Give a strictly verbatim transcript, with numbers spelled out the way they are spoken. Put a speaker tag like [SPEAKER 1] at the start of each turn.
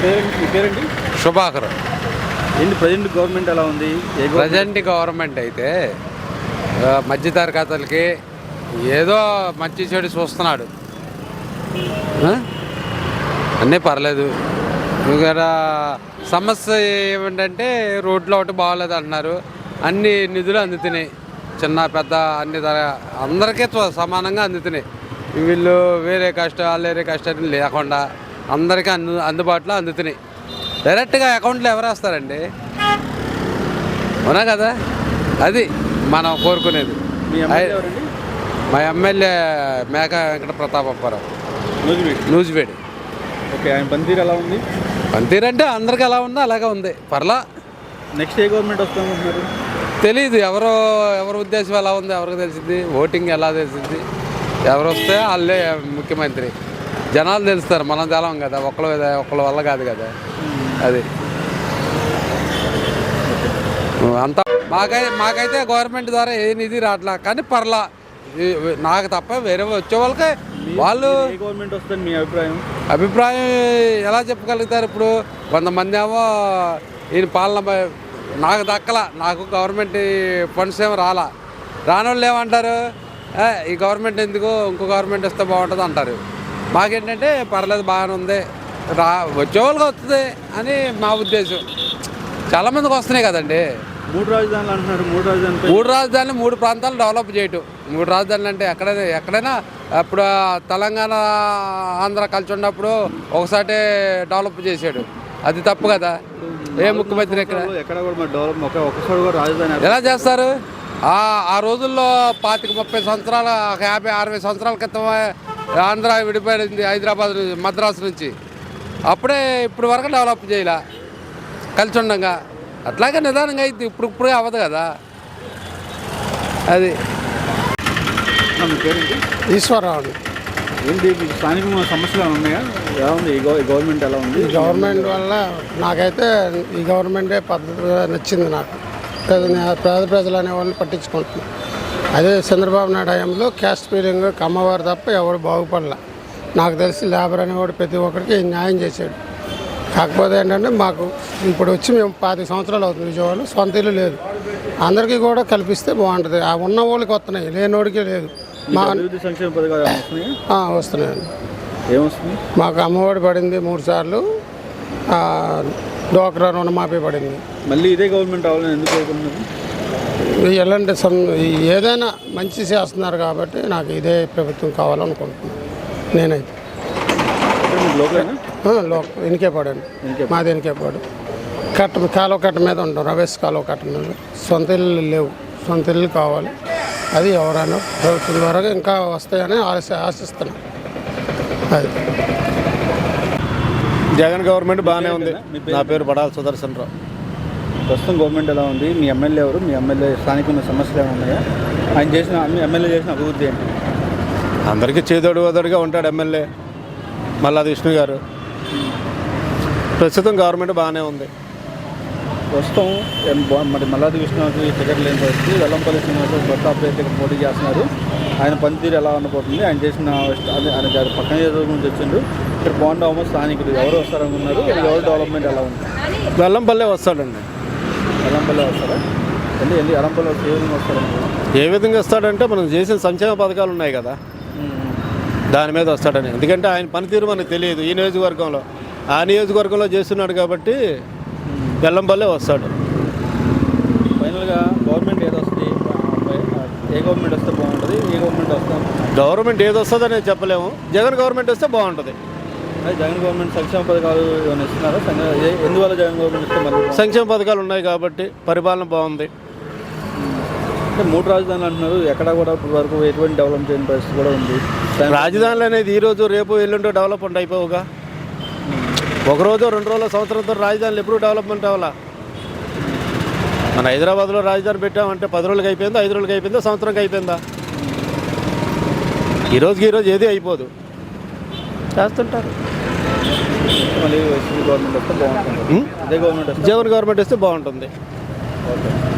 [SPEAKER 1] మీ పేరండి?
[SPEAKER 2] శుభాకర్.
[SPEAKER 1] ఏంటి present government ఎలా ఉంది?
[SPEAKER 2] ప్రజెంట్ గవర్నమెంట్ అయితే మధ్యతరగతులకి ఏదో మంచి చెడు చూస్తున్నాడు, అన్నీ పర్లేదు. ఇక్కడ సమస్య ఏమిటంటే రోడ్లు ఒకటి బాగోలేదు అంటున్నారు. అన్ని నిధులు అందుతున్నాయి, చిన్న పెద్ద అన్ని అందరికీ సమానంగా అందుతున్నాయి. వీళ్ళు వేరే కష్టాలు వేరే కష్టాలు లేకుండా అందరికీ అందు అందుబాటులో అందుతున్నాయి. డైరెక్ట్గా అకౌంట్లో ఎవరు వేస్తారండి? అవునా కదా, అది మనం కోరుకునేది. మా ఎమ్మెల్యే మేక వెంకట ప్రతాపరావు, నూజివేడు.
[SPEAKER 1] ఓకే, ఆయన పనితీరు ఎలా ఉంది?
[SPEAKER 2] పనితీరు అంటే అందరికి ఎలా ఉందో అలాగే ఉంది, పర్లా.
[SPEAKER 1] నెక్స్ట్ ఏ గవర్నమెంట్ వస్తామంటున్నారు?
[SPEAKER 2] తెలీదు, ఎవరో ఎవరి ఉద్దేశం ఎలా ఉందో ఎవరికి తెలిసింది, ఓటింగ్ ఎలా తెలిసింది, ఎవరు వస్తే వాళ్ళే ముఖ్యమంత్రి. జనాలు తెలుస్తారు, మనం తెలం కదా, ఒకళ్ళ ఒకళ్ళ వల్ల కాదు కదా. అది అంతా మాకై మాకైతే గవర్నమెంట్ ద్వారా ఏ నిధి రావట్లా, కానీ పర్లా. నాకు తప్ప వేరే వచ్చే వాళ్ళకి వాళ్ళు
[SPEAKER 1] గవర్నమెంట్ వస్తుంది మీ అభిప్రాయం?
[SPEAKER 2] అభిప్రాయం ఎలా చెప్పగలుగుతారు? ఇప్పుడు కొంతమంది ఏమో ఈయన పాలన నాకు దక్కల, నాకు గవర్నమెంట్ ఫండ్స్ ఏమో రాలా. రాని వాళ్ళు ఏమంటారు, ఈ గవర్నమెంట్ ఎందుకు, ఇంకో గవర్నమెంట్ వస్తే బాగుంటుంది అంటారు. మాకేంటంటే పర్లేదు, బాగానే ఉంది, రా వచ్చేవాళ్ళకి వస్తుంది అని మా ఉద్దేశం. చాలామందికి వస్తున్నాయి కదండి.
[SPEAKER 1] మూడు రాజధానులు అంటున్నారు. మూడు రాజధానులు
[SPEAKER 2] మూడు రాజధానులు మూడు ప్రాంతాలు డెవలప్ చేయటం. మూడు రాజధానులు అంటే ఎక్కడైనా ఎక్కడైనా అప్పుడు తెలంగాణ ఆంధ్ర కలిసి ఉన్నప్పుడు ఒకసారి డెవలప్ చేశాడు, అది తప్పు కదా. ఏ ముఖ్యమంత్రి ఎక్కడ
[SPEAKER 1] ఎక్కడ కూడా డెవలప్ ఒకసారి కూడా రాజధాని
[SPEAKER 2] ఎలా చేస్తారు? ఆ రోజుల్లో పాతిక ముప్పై సంవత్సరాల యాభై అరవై సంవత్సరాల క్రితం ఆంధ్ర విడిపోయింది హైదరాబాద్ మద్రాసు నుంచి. అప్పుడే ఇప్పుడు వరకు డెవలప్ చేయాల కలిసి ఉండగా. అట్లాగే నిదానంగా అయితే ఇప్పుడు ఇప్పుడే అవ్వదు కదా. అది
[SPEAKER 3] ఈశ్వరరావు.
[SPEAKER 1] ఏంటి స్థానిక సమస్యలు ఉన్నాయా? ఎలా ఉంది ఈ గవర్నమెంట్? ఎలా ఉంది
[SPEAKER 3] ఈ గవర్నమెంట్ వల్ల నాకైతే ఈ గవర్నమెంటే పద్ధతి నచ్చింది. నాకు పేద పేద ప్రజలు అనే వాళ్ళని పట్టించుకుంటున్నాను. అదే చంద్రబాబు నాయుడు హయాంలో క్యాస్ట్ ఫీలింగ్ కమ్మవారు తప్ప ఎవరు బాగుపడలే. నాకు తెలిసి లేబర్ అనేవాడు ప్రతి ఒక్కరికి న్యాయం చేశాడు. కాకపోతే ఏంటంటే మాకు ఇప్పుడు వచ్చి మేము పది సంవత్సరాలు అవుతుంది విజయవాడలో, సొంత ఇల్లు లేదు. అందరికీ కూడా కల్పిస్తే బాగుంటుంది. ఆ ఉన్న వాళ్ళకి వస్తున్నాయి, లేనివాడికి లేదు. మా
[SPEAKER 1] సంక్షేమ పథకాలు
[SPEAKER 3] వస్తున్నాయండి.
[SPEAKER 1] ఏమొస్తుంది?
[SPEAKER 3] మాకు అమ్మఒడి పడింది మూడు సార్లు, డోక్రా రుణమాఫీ పడింది.
[SPEAKER 1] మళ్ళీ ఇదే గవర్నమెంట్ అవ్వాలని ఎందుకు కోరుకుంటున్నారు?
[SPEAKER 3] ఎలాంటి సం ఏదైనా మంచి చేస్తున్నారు కాబట్టి నాకు ఇదే ప్రభుత్వం కావాలనుకుంటున్నాను నేనైతే. లోక ఎనికేపాడండి, మాది ఎనికేపాడు. కట్ట కాలువ కట్ట మీద ఉంటాం, రవేష్ కాలువ కట్ట మీద. సొంత ఇల్లు లేవు, సొంత ఇల్లు కావాలి. అది ఎవరైనా ప్రభుత్వం ద్వారా ఇంకా వస్తాయని ఆశ ఆశిస్తున్నాం. అది
[SPEAKER 4] జగన్ గవర్నమెంట్ బాగానే ఉంది. నా పేరు బడాల సుదర్శన్ రావు.
[SPEAKER 1] ప్రస్తుతం గవర్నమెంట్ ఎలా ఉంది? మీ ఎమ్మెల్యే ఎవరు? మీ ఎమ్మెల్యే స్థానిక సమస్యలు ఏమైనా ఉన్నాయా? ఆయన చేసిన ఎమ్మెల్యే చేసిన అభివృద్ధి ఏంటి?
[SPEAKER 4] అందరికీ చేదోడు వదడుగా ఉంటాడు ఎమ్మెల్యే మల్లాది విష్ణు గారు. ప్రస్తుతం గవర్నమెంట్ బాగానే ఉంది.
[SPEAKER 1] ప్రస్తుతం మరి మల్లాది విష్ణుకి టికెట్ లేని పరిస్థితి. వెల్లంపల్లి శ్రీనివాసరావు కొత్త అభ్యర్థిగా పోటీ చేస్తున్నారు. ఆయన పనితీరు ఎలా ఉండబోతుంది? ఆయన చేసిన ఆయన పక్కన నుంచి వచ్చిండు. ఇక్కడ బాగుండవమో స్థానికులు ఎవరు వస్తారనుకున్నారు? ఎవరు డెవలప్మెంట్ ఎలా ఉంది?
[SPEAKER 4] వెల్లంపల్లి వస్తాడండి.
[SPEAKER 1] వెల్లంపల్లి వస్తారా? అంటే ఎందుకు వెల్లంపల్లి ఏ విధంగా వస్తారనుకున్నారు?
[SPEAKER 4] ఏ విధంగా వస్తాడంటే మనం చేసిన సంక్షేమ పథకాలు ఉన్నాయి కదా, దాని మీద వస్తాడని. ఎందుకంటే ఆయన పనితీరు మనకు తెలియదు ఈ నియోజకవర్గంలో. ఆ నియోజకవర్గంలో చేస్తున్నాడు కాబట్టి వెల్లంపల్లే వస్తాడు.
[SPEAKER 1] ఫైనల్గా గవర్నమెంట్ ఏది వస్తుంది? ఏ గవర్నమెంట్ వస్తే బాగుంటుంది? ఏ గవర్నమెంట్ వస్తాం?
[SPEAKER 4] గవర్నమెంట్ ఏది వస్తుందని చెప్పలేము. జగన్ గవర్నమెంట్ వస్తే బాగుంటుంది.
[SPEAKER 1] అదే జగన్ గవర్నమెంట్ సంక్షేమ పథకాలు ఏమైనా ఇస్తున్నారా? ఎందువల్ల జగన్ గవర్నమెంట్ ఇస్తే మళ్ళీ
[SPEAKER 4] సంక్షేమ పథకాలు ఉన్నాయి కాబట్టి పరిపాలన బాగుంది.
[SPEAKER 1] అంటే మూడు రాజధానులు అంటున్నారు. ఎక్కడ కూడా ఇప్పటి వరకు ఎటువంటి డెవలప్ చేయని పరిస్థితి కూడా ఉంది.
[SPEAKER 4] రాజధానులు అనేది ఈరోజు రేపు ఎల్లుండో డెవలప్మెంట్ అయిపోవుగా. ఒకరోజు రెండు రోజుల సంవత్సరంతో రాజధానులు ఎప్పుడు డెవలప్మెంట్ అవ్వాలా? మన హైదరాబాద్లో రాజధాని పెట్టామంటే పది రోజులకి అయిపోయిందా, ఐదు రోజులకి అయిపోయిందా, సంవత్సరంకి అయిపోయిందా? ఈరోజుకి ఈరోజు ఏది అయిపోదు, చేస్తుంటారు.
[SPEAKER 1] మళ్ళీ గవర్నమెంట్ వస్తే బాగుంటుంది.
[SPEAKER 4] జగన్ గవర్నమెంట్ వస్తే బాగుంటుంది.
[SPEAKER 1] ఓకే.